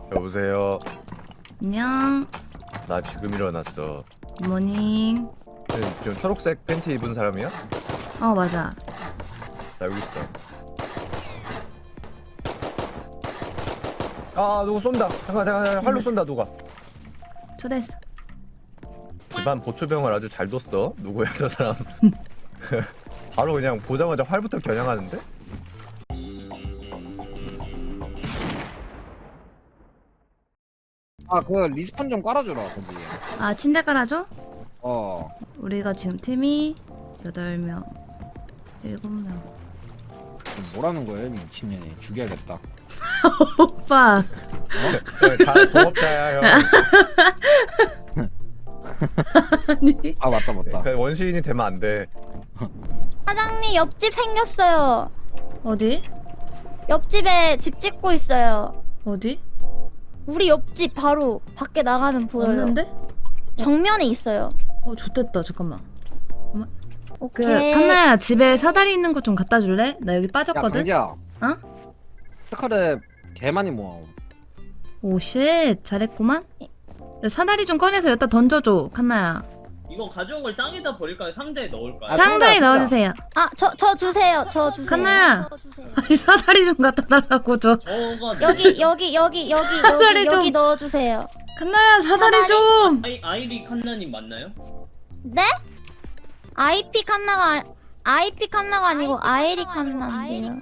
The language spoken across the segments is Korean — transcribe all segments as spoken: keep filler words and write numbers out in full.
여보세요. 안녕. 나 지금 일어났어. 굿모닝. 지금, 지금 초록색 팬티 입은 사람이야? 어 맞아. 나 여기 있어. 아 누구 쏜다. 잠깐 잠깐 잠깐 활로 쏜다 누가. 초대했어. 집안 보초병을 아주 잘 뒀어. 누구야 저 사람. 바로 그냥 보자마자 활부터 겨냥하는데? 아 그 리스폰 좀 깔아주라 거기. 아 침대 깔아줘? 어. 우리가 지금 팀이 여덟 명, 일곱 명. 지금 뭐라는 거예요 미친년이. 죽여야겠다. 오빠. 어? 다 동업자야 형. 아니. 아 맞다 맞다. 그냥 원시인이 되면 안 돼. 사장님 옆집 생겼어요. 어디? 옆집에 집 짓고 있어요. 어디? 우리 옆집 바로 밖에 나가면 보여요. 없는데? 정면에 있어요. 어 좋댔다. 잠깐만. 그 오케이. 칸나야 집에 사다리 있는 거 좀 갖다 줄래? 나 여기 야 빠졌거든. 강지야. 어? 스카랩 개 많이 모아. 오쉣 잘했구만. 야, 사다리 좀 꺼내서 여기다 던져줘 칸나야. 이거 가져온 걸 땅에다 버릴까요? 상자에 넣을까요? 아, 상자에 상자, 넣어주세요. 아, 저, 저 주세요. 저 주세요. 칸나야. 저 주세요. 아니 사다리 좀 갖다 달라고 저. 저가 여기, 여기, 여기, 여기, 사다리 여기, 좀. 여기 넣어주세요. 칸나야 사다리, 사다리? 좀. 아이, 아이리 칸나님 맞나요? 네? 아이피 칸나가, 아이피 칸나가 아니고 아이리 칸나인데요.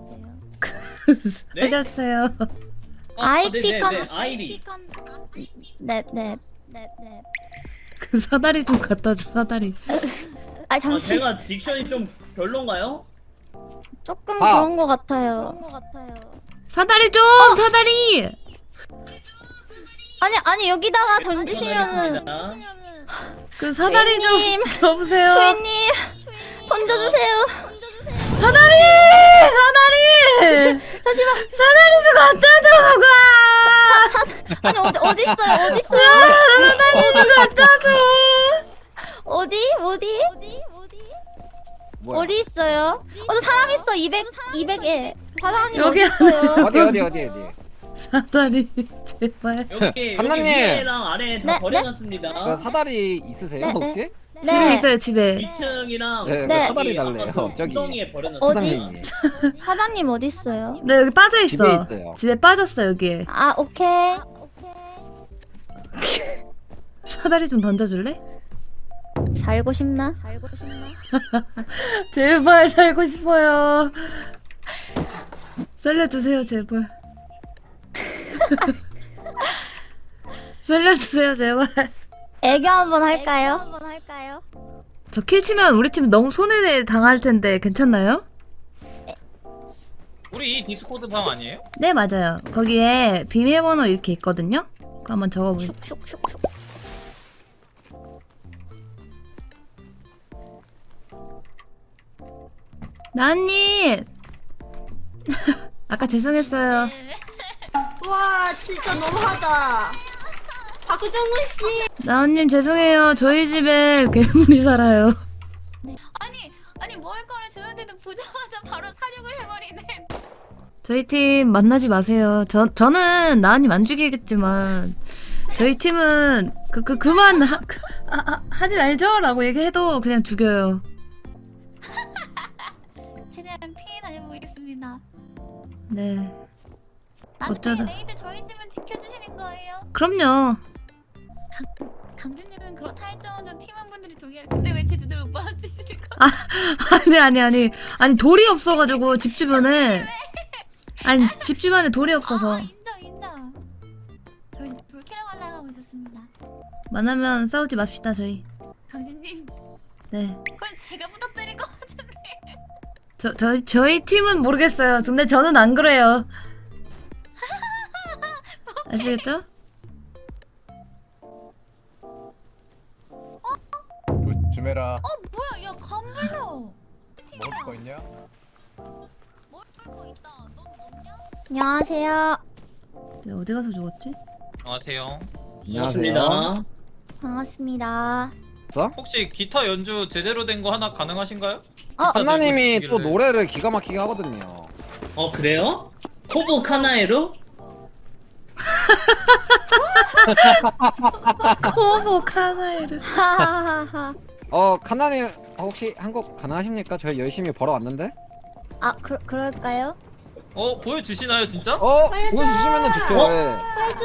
네? 알려주세요. 아, 아이피 네네네, 칸, 아이리. 네, 네, 네, 네. 그 사다리 좀 갖다 줘 사다리. 아, 아, 잠시. 제가 딕션이 좀 별론가요? 조금 아. 그런 것 같아요. 사다리 좀 어. 사다리. 아니, 아니, 여기다가 던지시면은. 전화드리겠습니다. 그 사다리 주인님. 좀 줘보세요. 주인님, 던져주세요. 사다리 사다리 잠시만. 사다리 좀 갖다 줘 누가. 아니 어디 어디 있어요? 어디 있어요? 사다리 좀 갖다 줘. 어디 어디 어디 어디 뭐야? 어디 있어요? 어저 사람 있어. 이백 이백에 사장님 여기 어디 있어요? 어디 어디 어디 어디. 사다리 제발. 여기, 여기 칸나님. 위에랑 아래 다 네, 버려놨습니다. 그 사다리 있으세요 네, 혹시? 집에 있어요 집에. 이 층이랑 네, 네. 사다리 달래요 저기. 엉덩이에 버려놨습니다. 어디? 사장님이. 사장님 어디 있어요? 네 여기 빠져 있어. 집에 있어요. 집에 빠졌어 여기에. 아 오케이. 사다리 좀 던져줄래? 살고 싶나? 살고 싶나? 제발 살고 싶어요. 살려주세요 제발. 살려주세요 제발. 애교 한번 할까요? 한번 할까요? 저 킬 치면 우리 팀 너무 손해 당할 텐데 괜찮나요? 우리 이 디스코드 방 아니에요? 네 맞아요. 거기에 비밀번호 이렇게 있거든요. 그거 한번 적어보세요. 슉슉슉슉. 나은님. 아까 죄송했어요. 와 진짜 너무하다. 박정훈 씨. 나은님 죄송해요. 저희 집에 괴물이 살아요. 아니 아니 먹을 거를 주는데도 보자마자 바로 사륙을 해버리네. 저희 팀 만나지 마세요. 저 저는 나은님 안 죽이겠지만 저희 팀은 그 그 그, 만 하, 그, 아, 아, 하지 말죠라고 얘기해도 그냥 죽여요. 최대한 피해 다녀보겠습니다. 네. 나중에 어쩌다. 레이드 저희 집은 지켜주시는 거예요. 그럼요. 강준님은 그렇다 할 정도로 팀원분들이 동의할. 근데 왜 제 눈을 못 봐주시는 거? 아니 아니 아니 아니 돌이 없어가지고 집 주변에 아니 집 주변에 돌이 없어서 아, 인정 인정. 저희 돌캐러 가려고 있었습니다. 만나면 싸우지 맙시다 저희. 강준님 네. 그건 제가 부탁드릴 것 같은데. 저 저희 저희 팀은 모르겠어요. 근데 저는 안 그래요. 아시겠죠? 조심해라. 어 뭐야 야 감물려. 먹을 거 있냐? 먹을 거 있다. 넌 먹냐? 안녕하세요. 네, 어디 가서 죽었지? 안녕하세요. 반갑습니다. 반갑습니다. 혹시 기타 연주 제대로 된 거 하나 가능하신가요? 어, 기타 한나님이 들고 또 계시길래. 노래를 기가 막히게 하거든요. 어 그래요? 코브 카나에로? 코보 카나에르. 하하하하. 어 카나님 혹시 한 곡 가능하십니까? 저희 열심히 벌어왔는데. 아 그, 그럴까요? 어 보여주시나요 진짜? 어 보여주시면은 좋죠. 어? 예.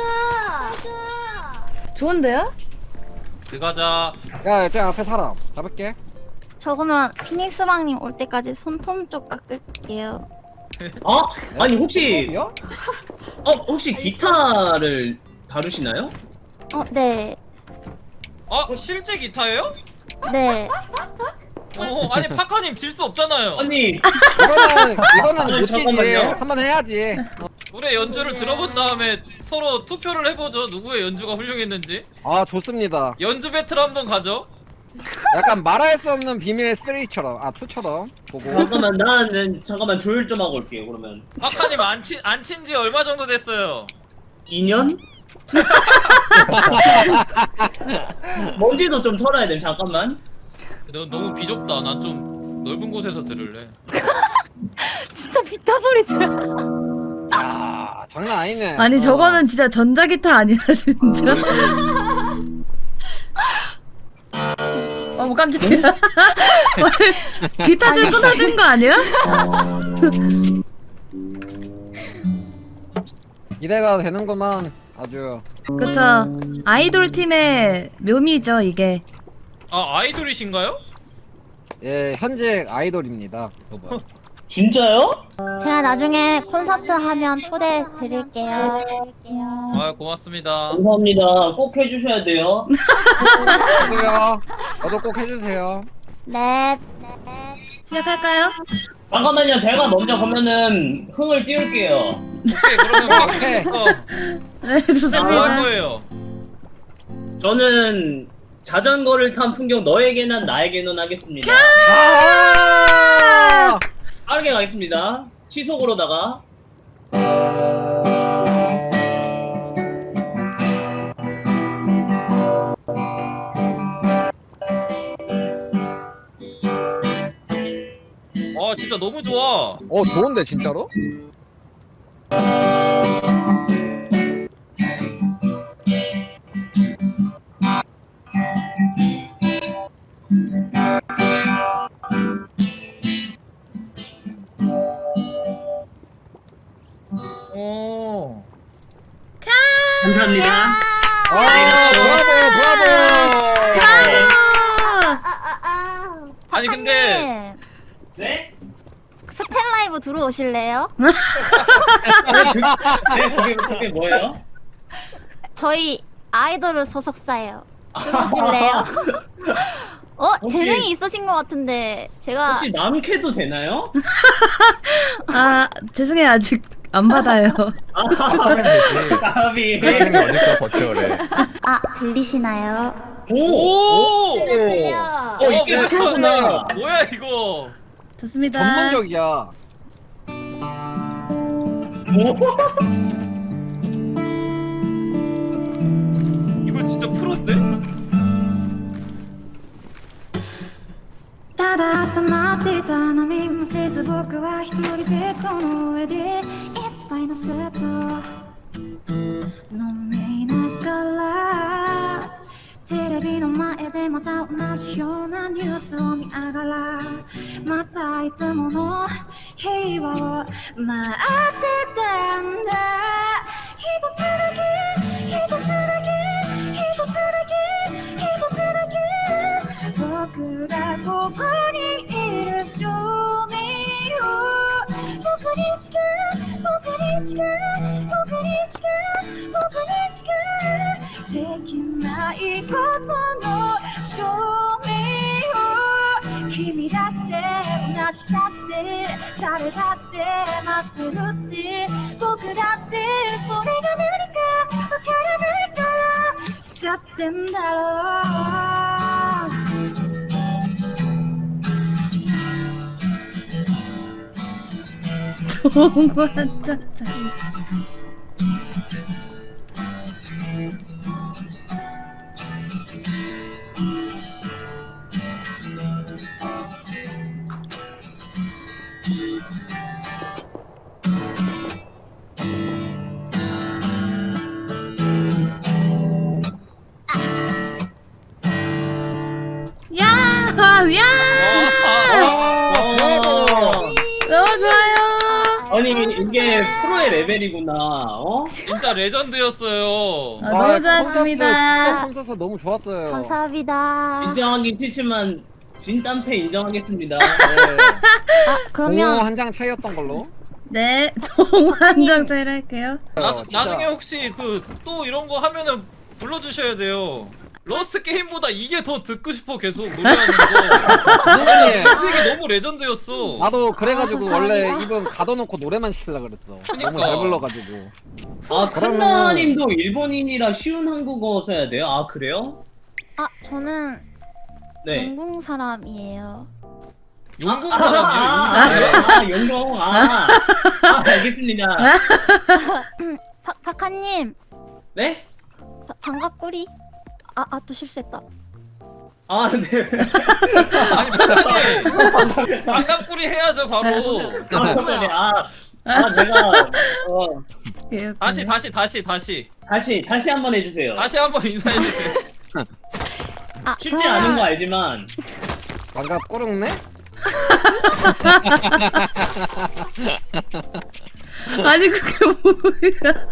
좋은데요? 들어가자. 야, 저 앞에 사람 잡을게. 저 그러면 피닉스방님 올 때까지 손톱 쪽 깎을게요. 어? 아니 혹시 요? 어 혹시 기타를 다루시나요? 어, 네. 어 실제 기타예요? 네. 어 아니 파카님 질 수 없잖아요. 아니 이거는 이거는 아니, 못 지지. 잠깐만요. 한번 해야지. 우리의 연주를 들어본 다음에 서로 투표를 해보죠. 누구의 연주가 훌륭했는지. 아 좋습니다. 연주 배틀 한번 가죠. 약간 말할 수 없는 비밀 삼처럼 아 이처럼 보고. 잠깐만 나는 잠깐만 조율 좀 하고 올게요. 그러면 파카님 안친안친 지 얼마 정도 됐어요? 이 년? 먼지도 좀 털어야 돼. 잠깐만. 너 너무 비좁다. 난 좀 넓은 곳에서 들을래. 진짜 비타 소리 들어. 아 장난 아니네. 아니 어. 저거는 진짜 전자기타 아니야 진짜. 어머 깜짝이야. 기타 줄 끊어준 거 아니야? 이래가 되는구만 아주. 그쵸. 아이돌 팀의 묘미죠 이게. 아 아이돌이신가요? 예 현직 아이돌입니다. 여보. 진짜요? 제가 나중에 콘서트 하면 초대 드릴게요. 아 고맙습니다. 감사합니다. 꼭 해주셔야 돼요. 저도요. 저도 꼭 해주세요. 네. 시작할까요? 잠깐만요. 제가 먼저 그러면은 흥을 띄울게요. 오케이 그러면 오케이. 파카님 거 네 뭐 할 좋습니다. 거예요? 저는 자전거를 탄 풍경 너에게는 나에게는 하겠습니다. 아! 빠르게 가겠습니다. 시속으로다가. 아 진짜 너무 좋아. 어 좋은데 진짜로? 오. 감사합니다. 아 브라보 브라보. 아니 근데 네? 스탠 라이브 들어오실래요? 네, 그게, 그게 뭐예요? 저희 아이돌 소속사예요. 들어오실래요? 어 혹시- 재능이 있으신 것 같은데 제가 혹시 남캐도 되나요? 아 죄송해요 아직 안 받아요. 하면 되지. 나비. 그런 게 어딨어 버티어래. 아 들리시나요? 오! 오. 어, 이게 뭐야, 프로구나. 뭐야 이거? 좋습니다. 전문적이야. 이거 진짜 프로인데? ただ朝待っていたのにもせず僕は一人ベッドの上で一杯のスープを飲みながらテレビの前でまた同じようなニュースを見ながらまたいつもの平和を待ってたんだ一つだけ一つだけ一つだけ一つだけ僕がここにいる証明を僕にしか僕にしか僕にしか僕にしかできないことの証明を君だって同じだって誰だって待ってるって僕だってそれが何かわからないからだってんだろう 정말 짜짜. 와, 야! 아, 어. 너무 좋아요. 아니 이게 프로의 레벨이구나. 어? 진짜 레전드였어요. 아, 너무 좋았습니다. 콘서트 너무 좋았어요. 감사합니다. 인정하기 싫지만 진땀패 인정하겠습니다. 네. 아, 그러면 한 장 차이였던 걸로. 네, 종한장 차이를 할게요. 나, 어, 진짜. 나중에 혹시 그 또 이런 거 하면은 불러주셔야 돼요. 러스트 게임보다 이게 더 듣고 싶어 계속 노래하는 거. 선생님, 되게 너무 레전드였어. 나도 그래가지고 아, 원래 감사합니다. 입은 가둬놓고 노래만 시키려 그랬어. 그니까. 너무 잘 불러가지고. 아 그러면은- 칸나님도 일본인이라 쉬운 한국어 써야 돼요? 아 그래요? 아 저는 네. 영국 사람이에요. 용궁 아, 사람이에요. 용궁. 아 영영 아, 아 알겠습니다. 박 박하님 네? 바- 반갑구리. 아아 또 실수했다. 아 네. 아니 반갑게 반갑구리 해야죠 바로. 아 그러네. 아, 아 내가 어, 예, 다시 다시 다시 다시 다시 다시 한번 해주세요. 다시 한번 인사해 주세요. 아 쉽지 그러면 않은 거 알지만 반갑 꾸릉네? 아니 그게 뭐야?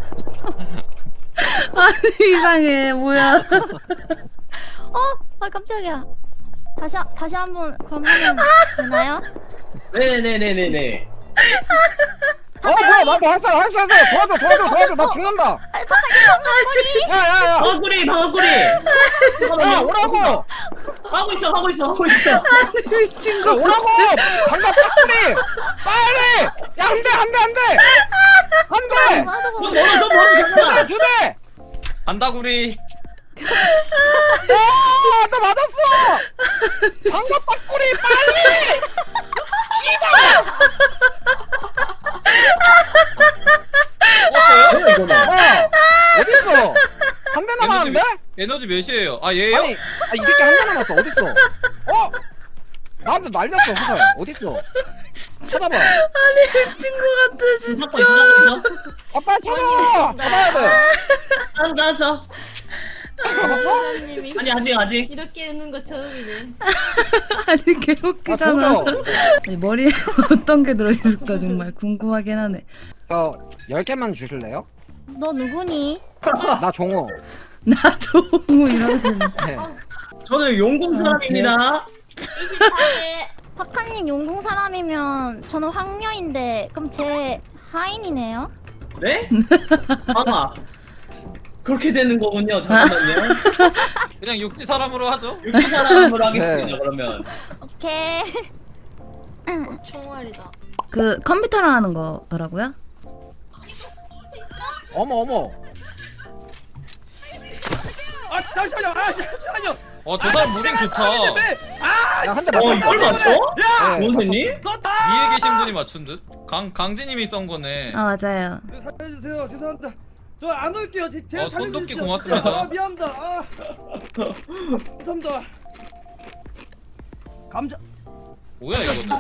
아니 이상해 뭐야? 어? 아 깜짝이야. 다시 한- 다시 한번 그럼 하면 되나요? 네네네네네. 어 뭐야 나도 할수 할수 할수 도와줘 도와줘 도와줘 나 죽는다. 야야야. 방울꾸리 방울꾸리. 야 오라고. 하고 있어 하고 있어 하고 있어. 미친 야 거. 오라고. 반갑 빡꾸리. 빨리. 야 안돼 안돼 안돼. 안돼. 나도 좀 뭐 멀어 좀 멀어 잠깐만. 두 대. 반다구리. 야나 맞았어. 반갑 빡꾸리 빨리. 죽었어요? 뭐야 이거는? 야 어딨어? 한 대 에너지 남았는데? 몇- 에너지 몇이에요? 아 얘요? 아니 아, 이 새끼 한 대 남았어 어딨어? 어? 나한테 날렸어 화살 어딨어? 찾아봐. 미친 거 같아 잡고 진짜. 있어 잡고 있어. 아 빨리 찾아. 찾아야 돼. 알았어 알았어. 잡았어? 아니 아직 아직. 이렇게 웃는 거 처음이네. 아니 아 개웃기잖아. 조져. 아니, 머리에 어떤 게 들어있을까 정말 궁금하긴 하네. 저열 개만 주실래요? 너 누구니? 나 종호. 나 조무 이러는. 네. 저는 용궁 사람입니다. 이십사 개. 박하님 용궁 사람이면 저는 황녀인데 그럼 제 하인이네요? 네? 아 그렇게 되는 거군요. 잠깐만요. 그냥 육지 사람으로 하죠. 육지 사람으로 하겠습니다. 네. 그러면. 오케이. 총알이다. 그 컴퓨터로 하는 거더라고요. 어머 어머. 아 잠시만요. 아 잠시만요. 어 저 사람 무빙 좋다. 야 한 대 어 맞았어. 이걸 맞춰? 네, 원생님? 위에 계신 분이 맞춘 듯. 강 강진님이 썬 거네. 아 맞아요. 살려주세요. 죄송합니다. 저 안 올게요. 제, 제가 어, 손도끼 살려주십시오. 고맙습니다. 아, 미안합니다. 아. 감사합니다. 감자. 뭐야 이거는?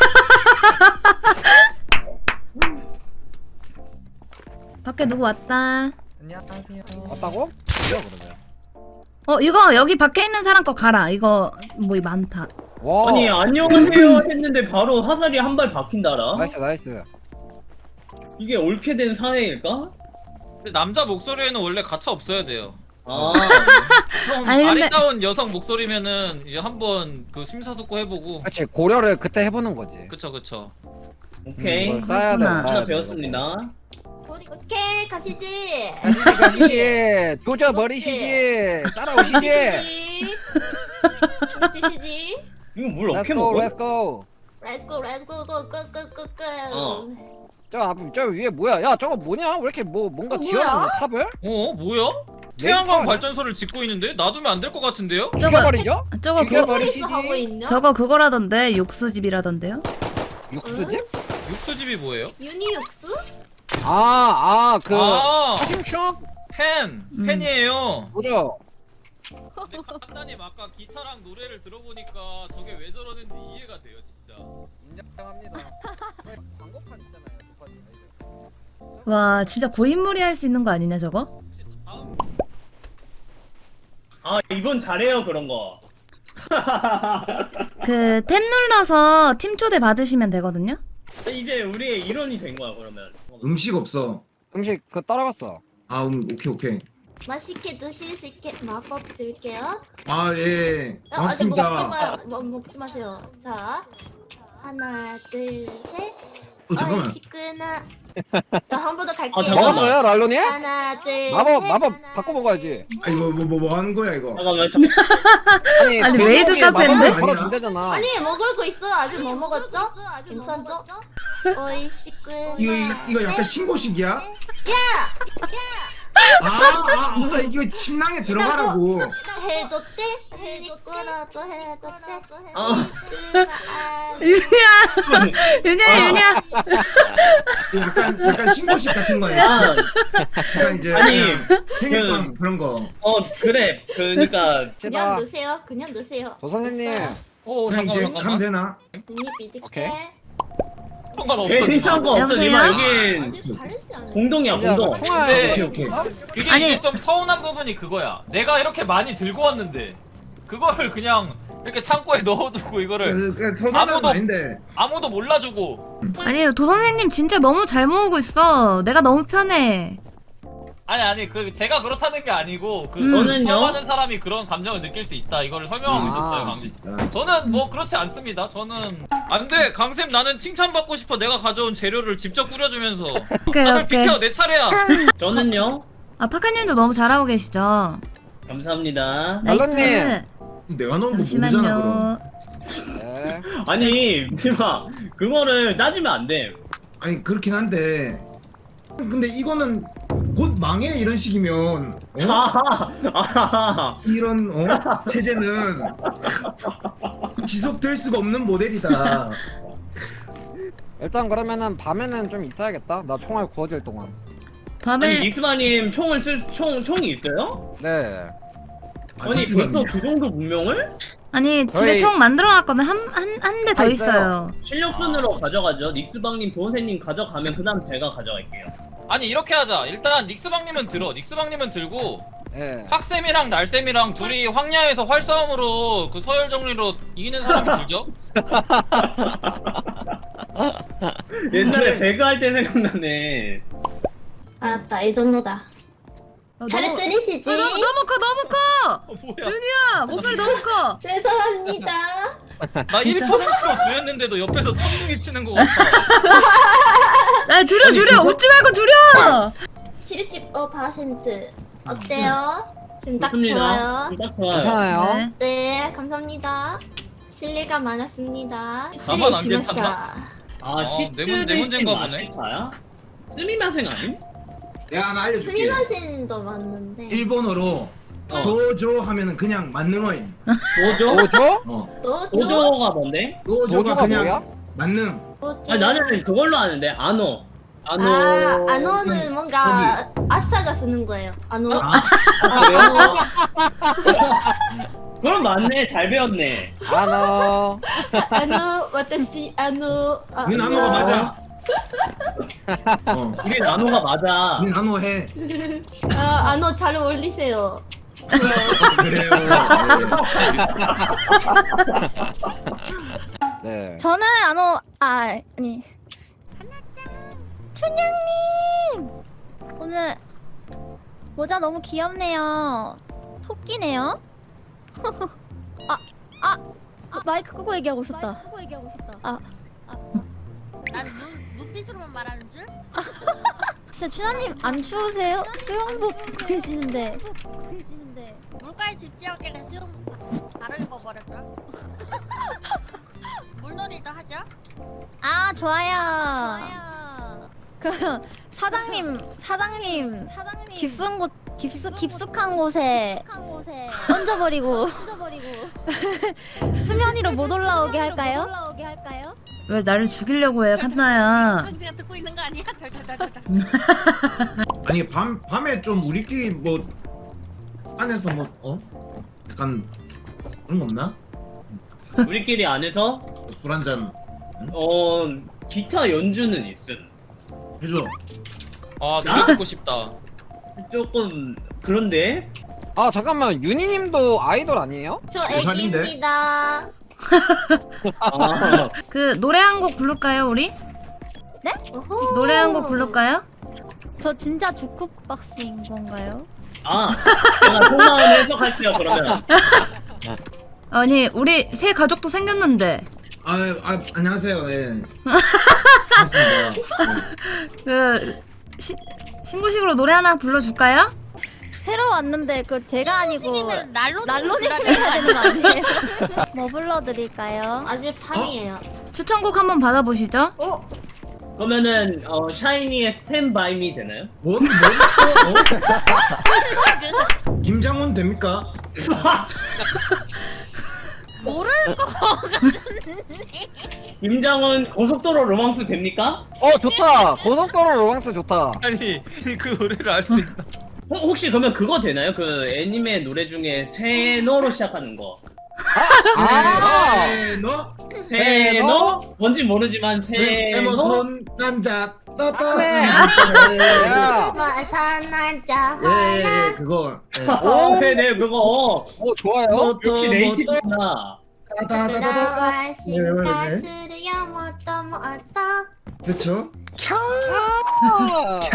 밖에 누구 왔다. 맞다고? 뭐야 그러면? 어 이거 여기 밖에 있는 사람 거 가라. 이거 뭐 많다. 와. 아니 안녕하세요 했는데 바로 화살이 한 발 박힌다라. 나이스 나이스. 이게 옳게 된 사회일까? 근데 남자 목소리에는 원래 가차 없어야 돼요. 아 그럼 아니, 근데- 아리따운 여성 목소리면은 이제 한번 그 심사숙고 해보고. 그렇지 고려를 그때 해보는 거지. 그쵸 그쵸. 오케이. 음, 이걸 쌓아야 돼. 그렇구나. 쌓아야 하나 돼, 배웠습니다. 오케이 가시지. 가시지 가시지. 조져 버리시지. 따라오시지. 가시지. 죽지시지. 이거 물 Let's 어떻게 go 먹어? let's go. Let's go, let's go, go, go, go, go, go. 어. 저 앞, 저 위에 뭐야? 야 저거 뭐냐? 왜 이렇게 뭐 뭔가 어, 지어놨네 뭐야? 탑을? 어 뭐야? 메인 태양광 타워냐? 발전소를 짓고 있는데 놔두면 안 될 것 같은데요? 죽여버리죠? 저거 죽여- 그, 포리스 하고 있냐? 저거 그거라던데 육수집이라던데요? 육수집? 육수집이 뭐예요? 유니육수? 아아그 아 사심충? 팬 음. 팬이에요. 뭐죠? 근데 칸다님 아까 기타랑 노래를 들어보니까 저게 왜 저러는지 이해가 돼요 진짜. 인정합니다. 광고판 있잖아요. 도파지. 와 진짜 고인물이 할 수 있는 거 아니냐 저거? 혹시 다음 아 이번 잘해요 그런 거. 그 탭 눌러서 팀 초대 받으시면 되거든요. 이제 우리의 일원이 된 거야 그러면. 음식 없어. 음식 그 따라갔어. 아, 음, 오케이 오케이. 맛있게 드실 수 있게 마법 드릴게요. 아, 예. 어, 아직 먹지 고맙습니다. 마, 뭐, 먹지 마세요. 자, 하나, 둘, 셋. 어, 잠깐만. 어이, 시끄나. 한 번 더 갈게요. 아, 잠깐만. 먹었어요, 랄로니? 하나, 둘, 마법 셋. 마법 하나, 바꿔 먹어야지. 아, 이거 뭐 뭐 뭐 하는 거야 이거? 잠깐만 잠깐만. 아니, 아니, 그 메이드 속에 마법을 카페인데? 걸어준대잖아. 아니, 먹을 거 있어. 아직 뭐 먹었죠? 괜찮죠? 어이, 시끄나. 이거 이- 이거 약간 신고식이야? 야! 아, 아, 아, 이거 침낭에 들어가라고. 해줬대? 니꾸라도 해줬대? 아. 윤희야, 윤희야, 윤희야. 약간 약간 신고식 같은 거야. 아, 약간 이제 아니, 그냥 생일빵 그런 거. 어 그래. 그러니까 그냥 다 넣으세요. 그냥 넣으세요. 도 선생님. 오 그냥 잠깐만 이제 잠깐만. 가면 되나? 언니 삐질게. 오케이. 상관없어. 괜찮은 거 없어. 여보세요? 니마 여긴 아직 다르지 않아요? 공동이야 이제 공동. 그 총알. 네. 오케이 오케이. 그게 아니. 이제 좀 서운한 부분이 그거야. 내가 이렇게 많이 들고 왔는데 그거를 그냥 이렇게 창고에 넣어두고 이거를 그, 그 서운한 아무도- 건 아닌데. 아무도 몰라주고. 아니, 도 선생님 진짜 너무 잘 모으고 있어. 내가 너무 편해. 아니 아니 그 제가 그렇다는 게 아니고 그 음. 저는요? 처음 하는 사람이 그런 감정을 느낄 수 있다 이거를 설명하고 아. 있었어요 강쌤. 아, 저는 뭐 그렇지 않습니다. 저는 안돼 강쌤 나는 칭찬받고 싶어. 내가 가져온 재료를 직접 꾸려주면서. 오케이, 다들 오케이. 비켜 내 차례야. 저는요. 아, 파카님도 너무 잘하고 계시죠? 감사합니다. 나이스. 알로님. 내가 넣은 거 모르잖아 그럼. 잠시만요. 네. 아니 니마 그거를 따지면 안 돼. 아니 그렇긴 한데. 근데 이거는 곧 망해 이런 식이면. 어? 아하, 아하. 이런 어? 체제는 지속될 수가 없는 모델이다. 일단 그러면은 밤에는 좀 있어야겠다. 나 총알 구워질 동안. 밤에 아니 닉스바님 총을 쓸 총 총이 있어요? 네. 아니 닉스바님. 벌써 그 정도 문명을? 아니, 집에 저희- 총 만들어놨거든. 한 한 한 대 더 다 있어요. 있어요. 실력 순으로 가져가죠. 닉스방님, 도선생님 가져가면 그다음 제가 가져갈게요. 아니 이렇게 하자. 일단 닉스방님은 들어. 닉스방님은 들고 예. 학쌤이랑 날쌤이랑 둘이 황야에서 활싸움으로 그 서열 정리로 이기는 사람이 들죠. 옛날에 배그 할 때 생각나네. 알았다. 이 정도다. 어, 잘 너무- 들리시지? 어, 너무 너무 커, 너무 커. 어, 뭐야? 윤희야, 목소리 너무 커. 죄송합니다. 나 일 퍼센트로 주였는데도 옆에서 천둥이 치는 거 같아. 아, 줄여, 줄여. 웃지 말고 줄여. 칠십오 퍼센트. 어때요? 지금 딱 좋습니다. 좋아요. 딱 좋아요. 괜찮아요. 네. 네, 감사합니다. 실례가 많았습니다. 나만 안 失礼しました 괜찮나? 아, 어, 시츠 내 문- 내 문제인가 보네. 마시타야? 쓰미마생 아님? 내가 하나 알려줄게. 스미마셍도 맞는데. 일본어로 어. 도조 하면은 그냥 만능어인. 도조? 오죠? 어. 또 또? 도조가 뭔데? 도조가 도조가 그냥 뭐야? 만능. 또 아 나는 그걸로 아는데 아노. 아노. 아, 아노는 뭔가 아싸가 쓰는 거예요. 아노. 아, 아, 그래요? 그럼 맞네. 잘 배웠네. 아노. 아노, 와타시 아노. 아, 니 나노가 맞아. 어. 우리 나노가 맞아. 니 나노 해. 아, 아노 잘 어울리세요. 그래요. 네. 저는 안오 아 아니 춘향님 오늘 모자 너무 귀엽네요. 토끼네요. 아, 아, 아 마이크 끄고 얘기하고 싶다. 아, 난 눈, 눈빛으로만 말하는 줄? 진짜 춘향님 안 추우세요? 수영복 입고 계시는데. 물가에 집지었길래 수영복 바로 입어버렸죠. 물놀이도 하죠. 아 좋아요. 그 사장님 사장님 깊은 곳 깊숙 깊숙한 곳에 얹어버리고 수면 위로 못 올라오게 할까요? 왜 나를 죽이려고 해, 칸나야. 현지가 듣고 있는 거 아니야? 덜덜덜덜. 아니 밤 밤에 좀 우리끼리 뭐 안에서 뭐 어? 약간 그런 거 없나? 우리끼리 안에서 술 한잔 어 기타 연주는 있음. 해줘. 아 노래 듣고 싶다. 조금 그런데 아 잠깐만 윤희님도 아이돌 아니에요? 저 부산인데? 애기입니다. 아, 그 노래 한 곡 부를까요 우리? 네? 노래 한 곡 부를까요? 저 진짜 주쿡박스인 건가요? 아, 제가 속마음 해석할게요 그러면. 아니 우리 새 가족도 생겼는데 아, 아 안녕하세요. 예. 반갑습니다. 그 시, 신고식으로 노래 하나 불러줄까요? 새로 왔는데 그 제가 아니고 날로 랄로님이 해야 되는 거 아니에요? 뭐 불러드릴까요? 아직 밤이에요. 추천곡 한번 받아보시죠. 그러면은 어, 샤이니의 스탠 바이 미 되나요? 뭔 뭔? 어? 김장훈 됩니까? 모를 거. 김장훈 고속도로 로망스 됩니까? 어 좋다. 고속도로 로망스 좋다. 아니 그 노래를 알 수 있나? 호, 혹시 그러면 그거 되나요? 그 애니메 노래 중에 세노로 시작하는 거. 아. 네, 너 세노? 뭔지 모르지만 네, 세노? 손 남자 따따. 네. 야. 마산나자. 예, 예, 그거. 예. 아, 네네 그거. 오 좋아요. 역시 네이티브구나. 따따따따따. 네, 네, 네. 가수르야 뭐또 뭐또. 그렇죠? 캬.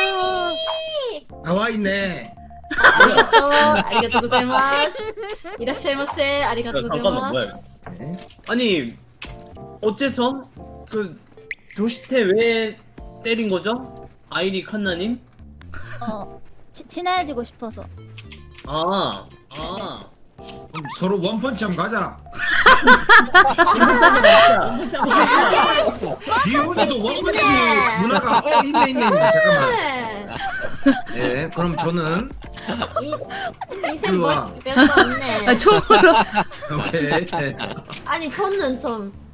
나와 있네. 아리가또 아리가또 고자이마스. 이라시마세. 아리가또 잠깐만 뭐야? 고자이마스. 네. 아니 어째서 그 도시태 왜 때린 거죠? 아이리 칸나님? 어 치, 친해지고 싶어서. 아, 아. 그럼 서로 원펀치 한번 가자. 비오지도 원펀치 문화가 어 있네 있네 있네. 잠깐만. 예, 그럼 저는 인생 일로 와. 뭐 별거 없네. 아, 총으로. 오케이. 네. 아니 저는 좀